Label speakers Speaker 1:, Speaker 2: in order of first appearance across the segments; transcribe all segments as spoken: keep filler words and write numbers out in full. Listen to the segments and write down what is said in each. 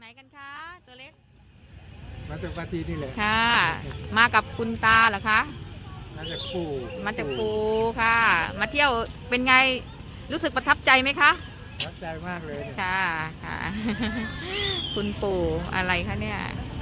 Speaker 1: กันคะตัวเล็ก
Speaker 2: มาจากปาจีนนี่แหละ
Speaker 1: ค่ะ มากับคุณตาเหรอคะ
Speaker 2: มาจากปู่
Speaker 1: มาจากปู่ค่ะ มาเที่ยวเป็นไงรู้สึกประทับใจไหมคะ
Speaker 2: ประทับใจมากเลย
Speaker 1: ค่ะค่ะ คุณปู่อะไรคะเนี่ย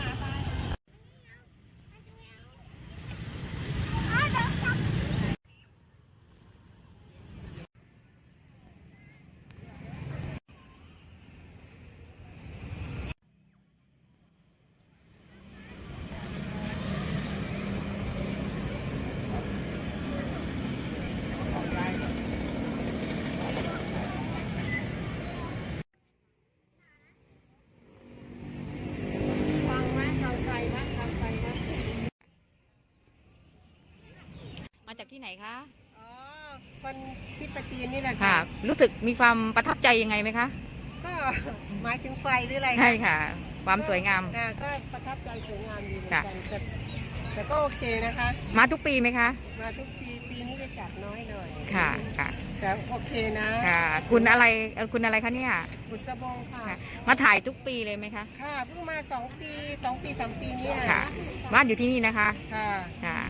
Speaker 1: มาจากที่ไหนคะ
Speaker 3: อ๋อคนที่ปาจีนนี่แหละ
Speaker 1: ค่ะ รู้สึกมีความประทับใจยังไงไหมคะ
Speaker 3: ก็หมายถึงไฟหรืออะไร
Speaker 1: ใช่ค่ะ ความสวยงาม
Speaker 3: ก็ประทับใจสวยงามดีเหมือนกันแต่แต่ก็โอเคนะคะ
Speaker 1: มาทุกปีไหมคะ
Speaker 3: มาทุกปีปีนี้จะจัดน้อยหน่อย
Speaker 1: ค่ะค่ะ
Speaker 3: แต่โอเคนะ
Speaker 1: ค่ะคุณอะไรคุณอะไรคะเนี่ย
Speaker 3: บุษบงค่ะ
Speaker 1: มาถ่ายทุกปีเลยไหมคะ
Speaker 3: ค่ะเพิ่งมาสองปีสองปีสามปีนี้
Speaker 1: ค่ะบ้านอยู่ที่นี่นะคะ
Speaker 3: ค่ะ
Speaker 1: ค่ะ